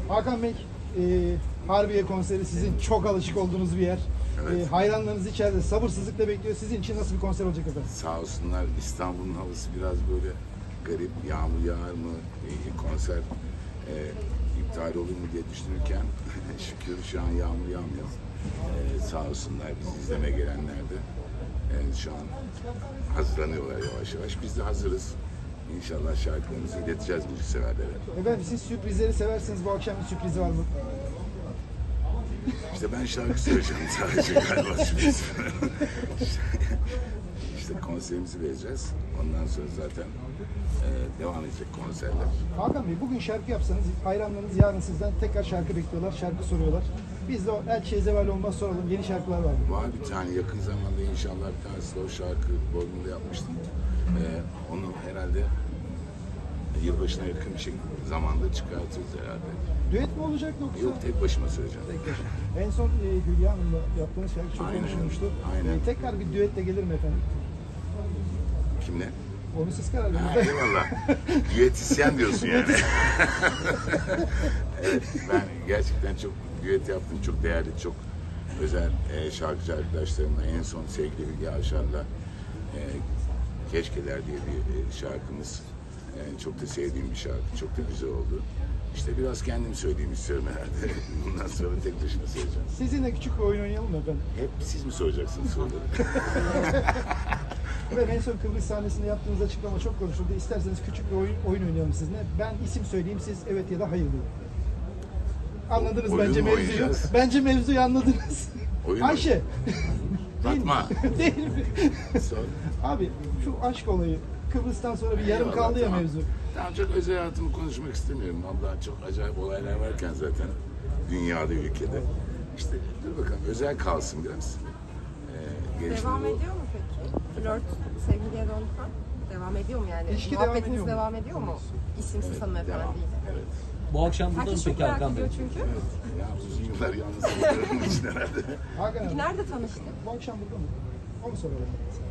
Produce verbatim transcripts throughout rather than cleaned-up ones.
Hakan Bey, e, Harbiye konseri sizin çok alışık olduğunuz bir yer. Evet. E, hayranlarınız içeride sabırsızlıkla bekliyor. Sizin için nasıl bir konser olacak efendim? Sağ olsunlar, İstanbul'un havası biraz böyle garip, yağmur yağar mı, e, konser e, iptal olur mu diye düşünürken şükür şu an yağmur yağmıyor. E, sağ olsunlar bizi izlemeye gelenler de e, şu an hazırlanıyorlar yavaş yavaş. Biz de hazırız. İnşallah şarkılarımızı ileteceğiz müzikseverlere. Efendim siz sürprizleri seversiniz. Bu akşam bir sürprizi var mı? İşte ben şarkı söyleyeceğim sadece galiba sürpriz. İşte konserimizi vereceğiz. Ondan sonra zaten e, devam edecek konserler. Hakan Bey, bugün şarkı yapsanız hayranlarınız yarın sizden tekrar şarkı bekliyorlar, şarkı soruyorlar. Biz de o her şey zeval olmaz soralım. Yeni şarkılar var mı? Var bir tane yakın zamanda inşallah bir tane slow şarkı Bodrum'da yapmıştım. E, onu herhalde yılbaşına yakın bir şey zamanda çıkartırız herhalde. Düet mi olacak yoksa? Yok, tek başıma söyleyeceğim. Tek başına. En son e, Hülya Hanım'la yaptığınız şarkı çok Aynen, konuşulmuştu. aynen. E, tekrar bir düetle gelir mi efendim? Kimle? Onu siz karar Ha, verin. eyvallah. Düetisyen diyorsun yani. Evet, ben gerçekten çok düet yaptım. Çok değerli, çok özel e, şarkıcı arkadaşlarımla. En son sevgili Hülya Avşar'la e, Keşkeler diye bir e, şarkımız. Yani çok da sevdiğim bir şarkı. Çok da güzel oldu. İşte biraz kendim söyleyeyim istiyorum herhalde. Bundan sonra tek başına söyleyeceğim. Sizinle küçük bir oyun oynayalım mı efendim? Hep siz mi soracaksınız soruları? Ve en son Kıbrıs sahnesinde yaptığınız açıklama çok konuşuldu. İsterseniz küçük bir oyun, oyun oynayalım sizinle. Ben isim söyleyeyim, siz evet ya da hayır deyin. Anladınız Oyun bence mu mevzuyu. oynayacağız? Bence mevzuyu anladınız. Oyun Ayşe. Değil mi? Fatma. Değil mi? Sor. Abi şu aşk olayı Kıbrıs'tan sonra bir yarım Eyvallah, kaldı ya tamam. mevzu. Tamam, çok özel hayatımı konuşmak istemiyorum. Vallahi çok acayip olaylar varken zaten dünyada, ülkede. İşte dur bakalım, özel kalsın biraz. Ee, gelişme Devam bu. ediyor mu peki? Flört sevgiliye döndükten devam ediyor mu yani? İlişki devam Muhabbetiniz ediyor mu? devam ediyor mu? İsimsiz Devam. hanımefendiyle. Evet. Bu akşam burada mı Herkes çok peki merak Hakan Bey? ediyor çünkü. Ya uzun yıllar yalnız olduğum için herhalde. Hakan Peki abi, nerede tanıştık? bu akşam burada mı? Onu soralım.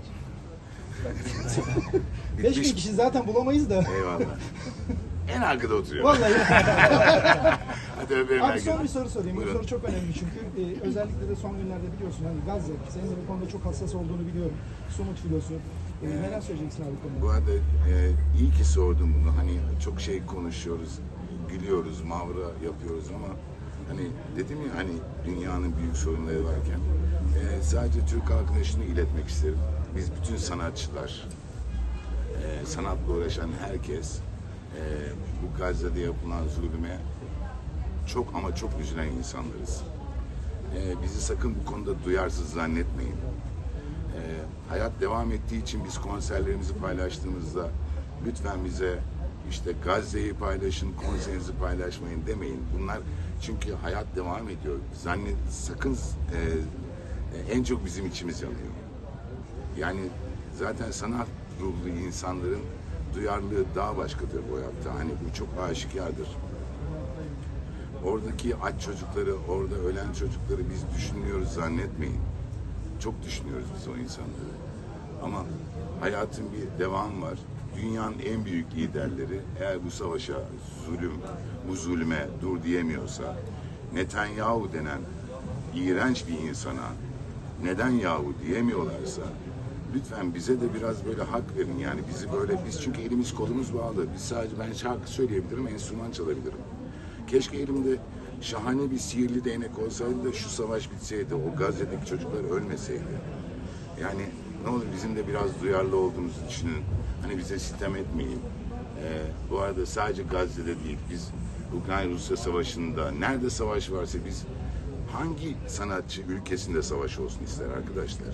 Beş bin Bitmiş. kişi zaten bulamayız da. Eyvallah. En arkada oturuyor. Vallahi. Hadi öperim Abi herkese. son bir soru sorayım. Buyurun. Bu soru çok önemli çünkü e, özellikle de son günlerde biliyorsun hani Gazze, senin de bu konuda çok hassas olduğunu biliyorum. Sumut filosu. E, neler söyleyeceksin abi bu Bu konuda? arada e, iyi ki sordum bunu. Hani çok şey konuşuyoruz, gülüyoruz, mavra yapıyoruz ama hani dedim ya, hani dünyanın büyük sorunları varken e, sadece Türk halkına şunu iletmek isterim. Biz bütün sanatçılar, e, sanatla uğraşan herkes e, bu Gazze'de yapılan zulüme çok ama çok üzülen insanlarız. E, bizi sakın bu konuda duyarsız zannetmeyin. Ee, hayat devam ettiği için biz konserlerimizi paylaştığımızda lütfen bize işte Gazze'yi paylaşın, konserinizi paylaşmayın demeyin. Bunlar çünkü hayat devam ediyor. Zannet, sakın e, e, en çok bizim içimiz yanıyor. Yani zaten sanat ruhlu insanların duyarlılığı daha başkadır bu hayatta. Hani bu çok aşikardır. Oradaki aç çocukları, orada ölen çocukları biz düşünüyoruz zannetmeyin. Çok düşünüyoruz biz o insanları. Ama hayatın bir devamı var. Dünyanın en büyük liderleri eğer bu savaşa, zulüm, bu zulme dur diyemiyorsa, Netanyahu denen iğrenç bir insana neden yahu diyemiyorlarsa, lütfen bize de biraz böyle hak verin. Yani bizi böyle, biz çünkü elimiz kolumuz bağlı. Biz sadece, ben şarkı söyleyebilirim, enstrüman çalabilirim. Keşke elimde şahane bir sihirli değnek olsaydı da şu savaş bitseydi, o Gazze'deki çocuklar ölmeseydi. Yani ne olur bizim de biraz duyarlı olduğumuzu düşünün. Hani bize sitem etmeyin. Ee, bu arada sadece Gazze'de değil, biz Ukrayna-Rusya savaşında, nerede savaş varsa biz, hangi sanatçı ülkesinde savaş olsun ister arkadaşlar?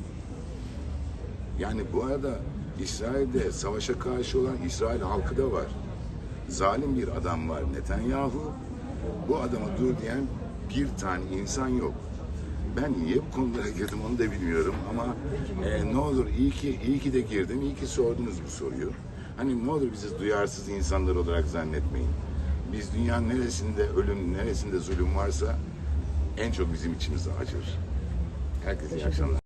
Yani bu arada İsrail'de savaşa karşı olan İsrail halkı da var. Zalim bir adam var Netanyahu. Bu adama dur diyen bir tane insan yok. Ben niye bu konulara girdim onu da bilmiyorum ama e, ne olur iyi ki iyi ki de girdim, iyi ki sordunuz bu soruyu. Hani ne olur bizi duyarsız insanlar olarak zannetmeyin. Biz dünyanın neresinde ölüm, neresinde zulüm varsa en çok bizim içimize acır. Herkese iyi akşamlar.